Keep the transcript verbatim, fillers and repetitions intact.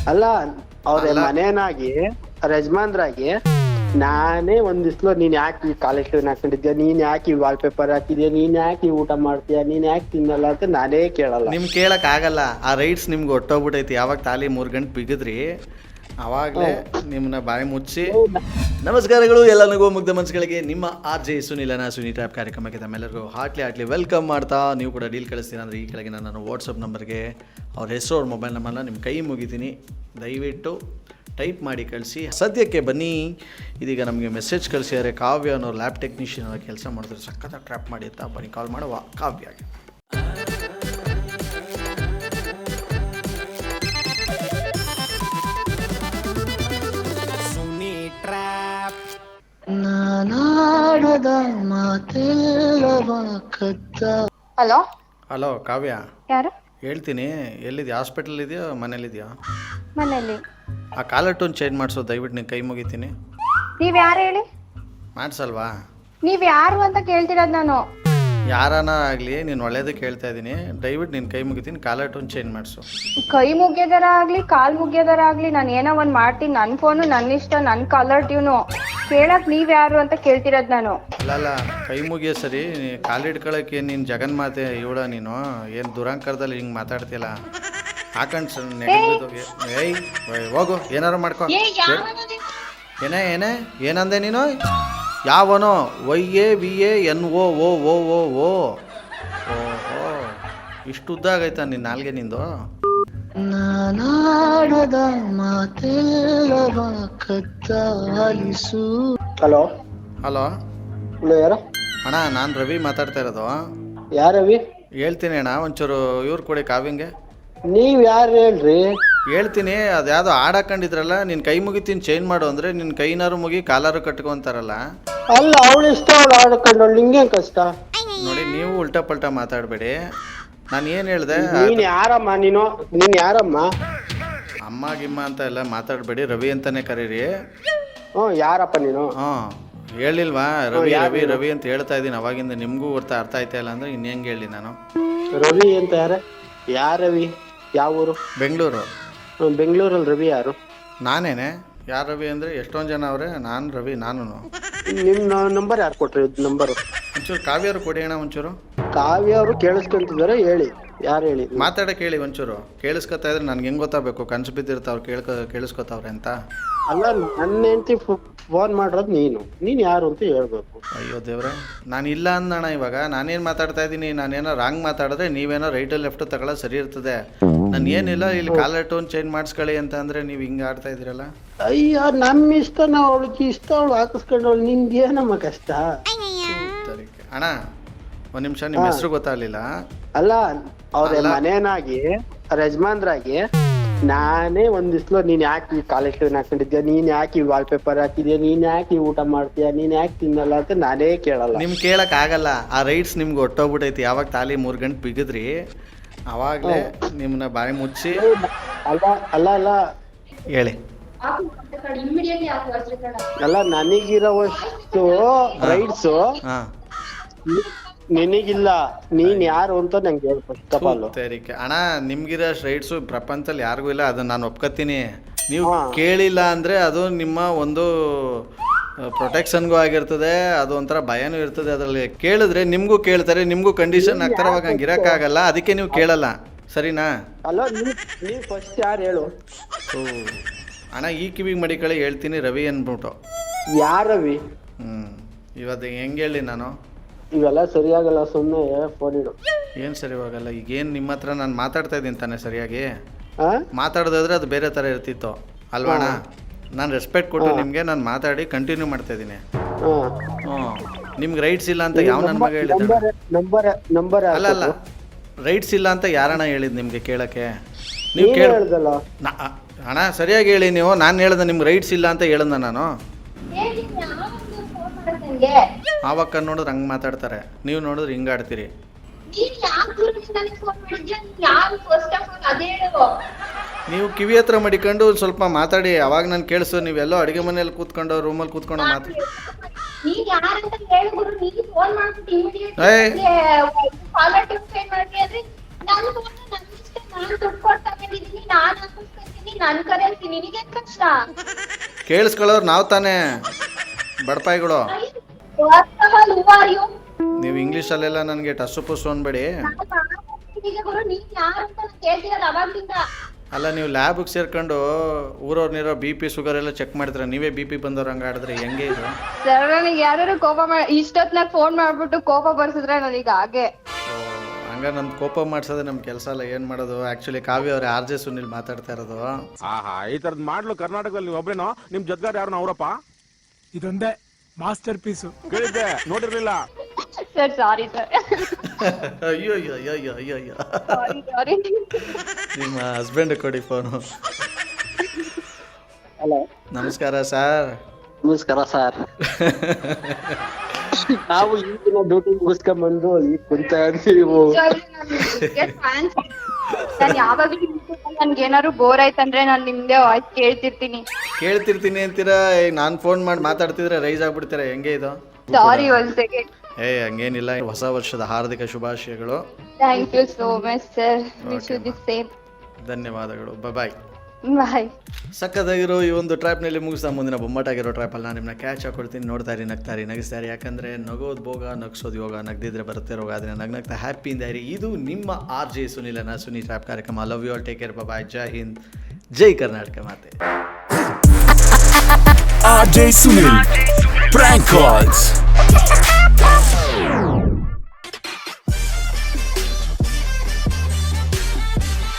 ಅಲ್ಲ ಅವ್ರ ಅಲ್ಲ. ಮನೇನಾಗಿ ಅವ್ರ ಯಜಮಾನ್ರಾಗಿ ನಾನೇ ಒಂದ್ ದಿವ್ಸಲು ನೀನ್ ಯಾಕೆ ಕಾಲೇಜ್ ಹಾಕೊಂಡಿದ್ಯಾ, ನೀನ್ ಯಾಕೆ ವಾಲ್ ಪೇಪರ್ ಹಾಕಿದ್ಯಾ, ನೀನ್ ಯಾಕೆ ಊಟ ಮಾಡ್ತೀಯಾ, ನೀನ್ ಯಾಕೆ ತಿನ್ನಲ್ಲ ಅಂತ ನಾನೇ ಕೇಳಲ್ಲ. ನಿಮ್ ಕೇಳಕ್ ಆಗಲ್ಲ. ಆ ರೈಟ್ಸ್ ನಿಮ್ಗೆ ಒಟ್ಟೋಗ್ಬಿಟ್ಟೈತಿ. ಯಾವಾಗ ತಾಲಿ ಮೂರ್ ಗಂಟೆ ಬಿಗಿದ್ರಿ ಅವಾಗಲೇ ನಿಮ್ಮನ್ನ ಬಾಯಿ ಮುಚ್ಚಿ. ನಮಸ್ಕಾರಗಳು ಎಲ್ಲರಿಗೂ ಮುಗ್ಧ ಮನಸ್ಸುಗಳಿಗೆ. ನಿಮ್ಮ ಆರ್ ಜೆ ಸುನಿಲನ ಸುನಿ ಟ್ಯಾಪ್ ಕಾರ್ಯಕ್ರಮಕ್ಕೆ ತಮ್ಮೆಲ್ಲರಿಗೂ ಹಾರ್ಟ್ಲಿ ಹಾರ್ಟ್ಲಿ ವೆಲ್ಕಮ್ ಮಾಡ್ತಾ, ನೀವು ಕೂಡ ಡೀಲ್ ಕಳಿಸ್ತೀನಿ ಅಂದರೆ ಈ ಕೆಳಗೆ ನಾನು ವಾಟ್ಸಪ್ ನಂಬರ್ಗೆ ಅವ್ರ ಹೆಸರು ಅವ್ರ ಮೊಬೈಲ್ ನಂಬರ್ನ ನಿಮ್ಮ ಕೈ ಮುಗಿತೀನಿ, ದಯವಿಟ್ಟು ಟೈಪ್ ಮಾಡಿ ಕಳಿಸಿ. ಸದ್ಯಕ್ಕೆ ಬನ್ನಿ, ಇದೀಗ ನಮಗೆ ಮೆಸೇಜ್ ಕಳಿಸಿದ್ದಾರೆ. ಕಾವ್ಯ ಅನ್ನೋರು ಲ್ಯಾಬ್ ಟೆಕ್ನಿಷಿಯನ್ ಅವ್ರ ಕೆಲಸ ಮಾಡಿದ್ರೆ ಸಖತ್ತಾಗಿ ಟ್ರ್ಯಾಪ್ ಮಾಡಿ ಅಂತ ಬನ್ನಿ ಕಾಲ್ ಮಾಡುವ ಕಾವ್ಯಗೆ. ಹಲೋ ಹಲೋ ಕಾವ್ಯ, ಯಾರು? ಹೇಳ್ತೀನಿ. ಎಲ್ಲಿದೆಯಾ? ಹಾಸ್ಪಿಟಲ್ ಇದೆಯಾ ಮನೇಲಿದೆಯಾ? ಮನೇಲಿ. ಆ ಕಾಲರ್ ಟೋನ್ ಚೇಂಜ್ ಮಾಡಿಸೋ, ದಯವಿಟ್ಟು ನೀನು ಕೈ ಮುಗಿತೀನಿ. ನೀವ್ ಯಾರು ಹೇಳಿ? ಮಾಡಿಸಲ್ವಾ? ನೀವ್ ಯಾರು ಅಂತ ಕೇಳ್ತಿರೋದು ನಾನು. ಯಾರನ ಆಗಲಿ, ನೀನು ಒಳ್ಳೇದಕ್ಕೆ ಹೇಳ್ತಾ ಇದ್ದೀನಿ. ದಯವಿಟ್ಟು ನಿನ್ನ ಕೈ ಮುಗಿತೀನಿ, ಕಾಲರ್ ಟೋನ್ ಚೇಂಜ್ ಮಾಡಿಸು. ಕೈ ಮುಗಿಯೋದರ ಆಗ್ಲಿ ಕಾಲ್ ಮುಗಿಯೋದರ ಆಗ್ಲಿ ನಾನು ಏನೋ ಒಂದ್ ಮಾಡ್ತೀನಿ. ನನ್ ಫೋನು ನನ್ನ ಇಷ್ಟ, ನನ್ ಕಾಲರ್ ಟ್ಯೂನು. ಕೇಳಕ್ ನೀವ್ ಯಾರು ಅಂತ ಕೇಳ್ತಿರೋದು ನಾನು. ಅಲ್ಲ ಅಲ್ಲ ಕೈ ಮುಗಿಯೋ ಸರಿ, ಕಾಲಿಡ್ಕೊಳಕ್ಕೆ ನೀನು ಜಗನ್ಮಾತೆ ಇವಳ. ನೀನು ಏನು ದುರಂಕರದಲ್ಲಿ ಹಿಂಗೆ ಮಾತಾಡ್ತಿಲ್ಲ. ಹಾಕೊಂಡು ಸರ್ ನೆಗೆದೋಗಿ ಏಯ್ ಹೋಗು, ಏನಾರು ಮಾಡ್ಕೊ. ಏನೇ ಏನೇ ಏನಂದೆ ನೀನು? ಯಾವನೋ? Y A V A N O ಓ ಓ ಓ ಓ ಓಹೋ, ಇಷ್ಟು ಉದ್ದ ಆಗೈತಾ ನಿನ್ನ ನಾಲ್ಗೆ ನಿಂದು? ಹಲೋ ಹಲೋ ಹಲೋ, ಯಾರ? ಅಣ್ಣ, ನಾನು ರವಿ ಮಾತಾಡ್ತಾ ಇರೋದು. ಯಾರ ರವಿ? ಹೇಳ್ತೀನಿ ಅಣ್ಣ, ಒಂಚೂರು ಇವ್ರು ಕೊಡಿ ಕಾವ್ಯಂಗೆ. ನೀವ್ ಯಾರು ಹೇಳ್ರಿ? ಹೇಳ್ತೀನಿ. ಅದು ಯಾವುದೋ ಹಾಡಾಕೊಂಡಿದ್ರಲ್ಲ, ನಿನ್ನ ಕೈ ಮುಗಿತೀನಿ ಚೇಂಜ್ ಮಾಡು ಅಂದರೆ ನಿನ್ನ ಕೈನಾರು ಮುಗಿ ಕಾಲಾರು ಕಟ್ಕೊಂತಾರಲ್ಲ. ಅಲ್ಲ, ಅವಳು ಇಷ್ಟ, ಅವಳು ಆಡ್ಕೊಂಡವಳು, ನಿಂಗೇನ್ ಕಷ್ಟ? ನೋಡಿ, ನೀವು ಉಲ್ಟಾ ಪಲ್ಟಾ ಮಾತಾಡಬೇಡಿ. ನಾನು ಏನು ಹೇಳಿದೆ? ನೀನ್ ಯಾರಮ್ಮ? ನೀನು ನೀನ್ ಯಾರಮ್ಮ? ಅಮ್ಮ ಗಿಮ್ಮ ಅಂತ ಎಲ್ಲ ಮಾತಾಡಬೇಡಿ, ರವಿ ಅಂತಾನೆ ಕರೀರಿ. ಹ್ಮ್, ಯಾರಪ್ಪ ನೀನು? ಹಾಂ, ಹೇಳಿಲ್ವಾ? ರವಿ ರವಿ ರವಿ ಅಂತ ಹೇಳ್ತಾ ಇದ್ದೀನಿ ಅವಾಗಿಂದ. ನಿಮಗೂ ಗೊತ್ತಾ ಅರ್ಥ ಆಯ್ತಾ ಇಲ್ಲ ಅಂದರೆ ಇನ್ನು ಹೆಂಗೆ ಹೇಳಿ ನಾನು? ರವಿ ಅಂತ ಯಾರ? ಯಾರ ರವಿ? ಯಾವ ಊರು? ಬೆಂಗಳೂರು. ಬೆಂಗಳೂರಲ್ಲಿ ರವಿ ಯಾರು? ನಾನೇನೆ. ಯಾರು ರವಿ ಅಂದರೆ ಎಷ್ಟೊಂದು ಜನ ಅವರೇ. ನಾನು ರವಿ, ನಾನು. ನಿಮ್ ನಂಬರ್ ಯಾರು ಕೊಟ್ರಿ? ನಂಬರ್ ಒಂಚೂರು ಕಾವ್ಯರು ಕೊಡಿ ಅಣ್ಣ. ಒಂಚೂರು ಕಾವ್ಯ ಅವರು ಕೇಳಿಸ್ಕೊಂತಿದಾರೆ, ಹೇಳಿ ಯಾರು ಹೇಳಿ? ಮಾತಾಡಕ್ಕೆ ಹೇಳಿ ಒಂಚೂರು. ಕೇಳಿಸ್ಕೊತಾ ಇದ್ರೆ ನನ್ಗೆ ಹೆಂಗೆ ಗೊತ್ತಾಗಬೇಕು? ಕನ್ಸು ಬಿದ್ದಿರ್ತಾವ್ರು ಕೇಳ್ಕೊ ಕೇಳಿಸ್ಕೊತಾವ್ರೆ ಅಂತ. ಅಲ್ಲ, ನನ್ನ ಹೆಂಡತಿ ಫೋನ್ ಮಾಡಿರೋದು ನೀನು. ನೀನು ಯಾರು ಅಂತ ಹೇಳ್ಬೇಕು. ಅಯ್ಯೋ ದೇವ್ರೆ, ನಾನು ಇಲ್ಲ ಅಂದಣ್ಣ. ಇವಾಗ ನಾನೇನು ಮಾತಾಡ್ತಾ ಇದ್ದೀನಿ? ನಾನೇನೋ ರಾಂಗ್ ಮಾತಾಡಿದ್ರೆ ನೀವೇನೋ ರೈಟು ಲೆಫ್ಟು ತಗೊಳ್ಳೋದು ಸರಿ ಇರ್ತದೆ. ನಾನು ಏನಿಲ್ಲ, ಇಲ್ಲಿ ಕಾಲರ್ ಟೋನ್ ಚೇಂಜ್ ಮಾಡಿಸ್ಕೊಳ್ಳಿ ಅಂತ ಅಂದರೆ ನೀವು ಹಿಂಗೆ ಆಡ್ತಾ ಇದ್ದೀರಲ್ಲ. ಅಯ್ಯೋ, ನಮ್ಮ ಇಷ್ಟ, ನಾವು ಅವಳಿಗೆ ಇಷ್ಟ, ಅವಳು ಹಾಕಿಸ್ಕೊಂಡವಳು, ನಿಮ್ಗೆ ಏನಮ್ಮ ಕಷ್ಟ? ಅಣ್ಣ ಒಂದು ನಿಮಿಷ, ನಿಮ್ಮ ಹೆಸರು ಗೊತ್ತಾಗಲಿಲ್ಲ. ಅಲ್ಲ, ಅವ್ರ ಮನೇನಾಗಿ ಅವ್ರ ಯಜಮಾನ್ರಾಗಿ ನಾನೇ ಒಂದ್ ದಿವ್ಸಲು ನೀನ್ ಯಾಕೆ ಕಾಲೇಜ್ ಹಾಕೊಂಡಿದ್ಯಾ, ನೀನ್ ಯಾಕೆ ವಾಲ್ ಪೇಪರ್ ಹಾಕಿದ್ಯಾ, ನೀನ್ ಯಾಕೆ ಊಟ ಮಾಡ್ತೀಯಾ, ನೀನ್ ಯಾಕೆ ತಿನ್ನಲ್ಲ ಅಂತ ನಾನೇ ಕೇಳಲ್ಲ. ನಿಮ್ ಕೇಳಕ್ ಆಗಲ್ಲ. ಆ ರೈಟ್ಸ್ ನಿಮ್ಗೆ ಒಟ್ಟೋಗ್ಬಿಟ್ಟೈತಿ. ಯಾವಾಗ ತಾಲಿ ಮೂರ್ ಗಂಟೆ ಬಿಗಿದ್ರಿ ಅವಾಗ್ಲೇ ನಿಮ್ಮನ್ನ ಬಾಯಿ ಮುಚ್ಚಿ. ಅಲ್ಲ ಅಲ್ಲ ಅಲ್ಲ ಹೇಳಿ. ಅಲ್ಲ, ನನಗಿರೋವಷ್ಟು ರೈಟ್ಸ್ ಹಾ ನಿನಗಿಲ್ಲ. ನೀನ್ ಯಾರು ಅಂತ ನಂಗೆ ಹೇಳ್ಬೇಕು. ಅಣ್ಣ, ನಿಮ್ಗಿರೋ ರೈಟ್ಸು ಪ್ರಪಂಚದಲ್ಲಿ ಯಾರಿಗೂ ಇಲ್ಲ, ಅದನ್ನ ನಾನು ಒಪ್ಕೋತೀನಿ. ನೀವು ಕೇಳಿಲ್ಲ ಅಂದ್ರೆ ಅದು ನಿಮ್ಮ ಒಂದು ಪ್ರೊಟೆಕ್ಷನ್ಗೂ ಆಗಿರ್ತದೆ, ಅದು ಒಂಥರ ಭಯನೂ ಇರ್ತದೆ. ಅದರಲ್ಲಿ ಕೇಳಿದ್ರೆ ನಿಮ್ಗೂ ಕೇಳ್ತಾರೆ, ನಿಮ್ಗೂ ಕಂಡೀಷನ್ ಆಗ್ತಾರೆ. ಅವಾಗ ಹಂಗೆ ಇರೋಕ್ಕಾಗಲ್ಲ, ಅದಕ್ಕೆ ನೀವು ಕೇಳಲ್ಲ. ಸರಿನಾ? ಅಲ್ಲ, ನೀವು ಫಸ್ಟ್ ಯಾರು ಹೇಳು? ಓ ಅಣ್ಣ, ಈ ಕಿವಿಗೆ ಮಡಿಕಳಿ ಹೇಳ್ತೀನಿ, ರವಿ ಅಂದ್ಬಿಟ್ಟು. ಯಾರ ರವಿ? ಹ್ಞೂ ಇವತ್ತು ಹೆಂಗೆ ಹೇಳಿ ನಾನು? ಇವೆಲ್ಲ ಸರಿಯಾಗಲ್ಲ, ಸುಮ್ಮನೆ ಫೋನ್ ಇಡು. ಏನು ಸರಿ ಹೋಗಲ್ಲ? ಈಗೇನು ನಿಮ್ಮ ಹತ್ರ ನಾನು ಮಾತಾಡ್ತಾ ಇದ್ದೀನಿ ತಾನೆ ಸರಿಯಾಗಿ? ಮಾತಾಡೋದಾದ್ರೆ ಅದು ಬೇರೆ ಥರ ಇರ್ತಿತ್ತು ಅಲ್ವಾಣ? ನಾನು ರೆಸ್ಪೆಕ್ಟ್ ಕೊಟ್ಟು ನಿಮಗೆ ನಾನು ಮಾತಾಡಿ ಕಂಟಿನ್ಯೂ ಮಾಡ್ತಾ ಇದ್ದೀನಿ. ಹ್ಞೂ, ನಿಮ್ಗೆ ರೈಟ್ಸ್ ಇಲ್ಲ ಅಂತ ಯಾವ ನನ್ನ ಮಗ ಹೇಳಿದ್ದಾನೆ? ನಂಬರ್ ನಂಬರ್ ಅಲ್ಲ ಅಲ್ಲ, ರೈಟ್ಸ್ ಇಲ್ಲ ಅಂತ ಯಾರಣ್ಣ ಹೇಳಿದ್ದು ನಿಮಗೆ ಕೇಳೋಕ್ಕೆ? ನೀವು ಕೇಳ್ದಲ್ಲ ಅಣ್ಣ, ಸರಿಯಾಗಿ ಹೇಳಿ ನೀವು. ನಾನು ಹೇಳ್ದೆ ನಿಮ್ಗೆ ರೈಟ್ಸ್ ಇಲ್ಲ ಅಂತ ಹೇಳ್ದೆ ನಾನು. ಆವಕ್ಕ ನೋಡಿದ್ರೆ ಹಂಗೆ ಮಾತಾಡ್ತಾರೆ, ನೀವು ನೋಡಿದ್ರೆ ಹಿಂಗೆ ಆಡ್ತೀರಿ. ನೀವು ಕಿವಿ ಹತ್ರ ಮಡಿಕೊಂಡು ಸ್ವಲ್ಪ ಮಾತಾಡಿ, ಅವಾಗ ನಾನು ಕೇಳಿಸು. ನೀವೆಲ್ಲೋ ಅಡುಗೆ ಮನೇಲಿ ಕೂತ್ಕೊಂಡು ರೂಮಲ್ಲಿ ಕೂತ್ಕೊಂಡು ಮಾತಾಡಿ. ನನ್ ಕರೆನ್ಸಿ ನಿನಗೇನ್ ಕಷ್ಟ? ಕೇಳಿಸ್ಕೊಳ್ಳೋರು ನಾವು ತಾನೇ ಬಡಪಾಯಿಗಳು. What the hell, who are you? ನೀವು ಇಂಗ್ಲೀಷಲ್ಲೆಲ್ಲ ನನಗೆ ಟಸ್ಸು ಪುಸ್ಸು ಅನ್ಬೇಡಿ. ಈಗ ಗುರು ನೀನ್ ಯಾರು ಅಂತ ನಾನ್ ಕೇಳ್ತಿರೋದು ಅವಾಗ್ಲಿಂದ. ಅಲ್ಲ ನೀವು ಲ್ಯಾಬಿಗೆ ಸೇರ್ಕೊಂಡು ಊರವ್ರನ್ನಿರೋ ಬಿ ಪಿ ಶುಗರ್ ಎಲ್ಲ ಚೆಕ್ ಮಾಡಿದ್ರೆ ನೀವೇ ಬಿ ಪಿ ಬಂದವ್ರು ಹಂಗೆ ಆಡಿದ್ರೆ ಹೆಂಗೆ ಇದು? ಸರ್ ನನಗೆ ಯಾರು ಕೋಪ ಮಾಡಿ ಇಷ್ಟೊತ್ನಾಗ ಫೋನ್ ಮಾಡ್ಬಿಟ್ಟು ಕೋಪ ಬರ್ಸಿದ್ರೆ ನನಗೆ ಹಾಗೆ. ಹಂಗ ನಮ್ ಕೋಪ ಮಾಡ್ಸೋದೇ ನಮ್ ಕೆಲಸ ಅಲ್ಲ, ಏನ್ ಮಾಡೋದು. ಆಕ್ಚುಲಿ ಕಾವ್ಯ ಅವ್ರೆ ಆರ್ ಜೆ ಸುನಿಲ್ ಮಾತಾಡ್ತಾ ಇರೋದು. ಆಹಾ, ಈ ತರದ್ ಮಾಡ್ಲು ಕರ್ನಾಟಕದಲ್ಲಿ ನೀವು ಒಬ್ರೇನೋ? ನಿಮ್ ಜೊತೆಗಾರ ಯಾರು ಅವರಪ್ಪ? ಇದೊಂದೇ ಮಾಸ್ಟರ್ ಪೀಸು. ಕೇಳಿದ್ದೆ, ನೋಡಿರ್ಲಿಲ್ಲ. Sir sorry sir. ಅಯ್ಯೋ ಅಯ್ಯೋ ಅಯ್ಯೋ ಅಯ್ಯೋ ಅಯ್ಯೋ ಅಯ್ಯೋ. ಸಾರಿ ಸಾರಿ. ನಿಮ್ಮ ಹಸ್ಬೆಂಡ್ ಕೊಡಿ ಫೋನು. ಹಲೋ, ನಮಸ್ಕಾರ ಸರ್. ನಮಸ್ಕಾರ ಸರ್. ನಾವು ಈಗಿನ ಡ್ಯೂಟಿ ಮುಗಿಸ್ಕೊಂಡ್ ಬಂದು ಈಗ ಕುಂತ ನೀವು. ನಾನು ಯಾವಾಗ್ಲೂ ನನ್ಗೆ ಏನಾದ್ರು ಬೋರ್ ಆಯ್ತಂದ್ರೆ ನಾನು ನಿಮ್ದೇ ವಾಯ್ಸ್ ಕೇಳ್ತಿರ್ತೀನಿ. ಕೇಳ್ತಿರ್ತೀನಿ ಅಂತೀರಾ, ಈಗ ನಾನ್ ಫೋನ್ ಮಾಡಿ ಮಾತಾಡ್ತಿದ್ರೆ ರೈಸ್ ಆಗ್ಬಿಡ್ತೀರಾ, ಹೆಂಗೆ ಇದು? ಸಾರಿ ಒಂದ್ ಸೆಕೆಂಡ್. ಏ ಹಂಗೇನಿಲ್ಲ. ಹೊಸ ವರ್ಷದ ಹಾರ್ದಿಕ ಶುಭಾಶಯಗಳು. Thank you so much sir. Wish you the same. ಧನ್ಯವಾದಗಳು. ಬಾಯ್. ಬಾಯ್. ಸಕ್ಕದಾಗಿರೋ ಈ ಒಂದು ಟ್ರ್ಯಾಪ್ನಲ್ಲಿ ಮುಗಿಸ್ತಾ ಮುಂದಿನ ಬೊಮ್ಮಟಾಗಿರೋ ಟ್ರ್ಯಾಪಲ್ಲಿ ನಾನು ನಿಮ್ಮನ್ನ ಕ್ಯಾಚ್ ಹಾಕೊಳ್ತೀನಿ. ನೋಡ್ತಾ ಇರಿ, ನಗ್ತಾ ಇರಿ, ನಗಿಸ್ತಾ ಇರಿ. ಯಾಕಂದರೆ ನಗೋದು ಭೋಗ, ನಗ್ಸೋದು ಯೋಗ, ನಗ್ದಿದ್ರೆ ಬರುತ್ತೆ ರೋಗ. ಆದರೆ ನಗ್ನಗ್ತಾ ಹ್ಯಾಪಿಯಿಂದ ಇರಿ. ಇದು ನಿಮ್ಮ ಆರ್ ಜೆ ಸುನಿಲನ ಸುನಿ ಟ್ರ್ಯಾಪ್ ಕಾರ್ಯಕ್ರಮ. Love you all, take care, bye, ಜೈ ಹಿಂದ್, ಜೈ ಕರ್ನಾಟಕ ಮಾತೆ. R J Sunil Prank Calls.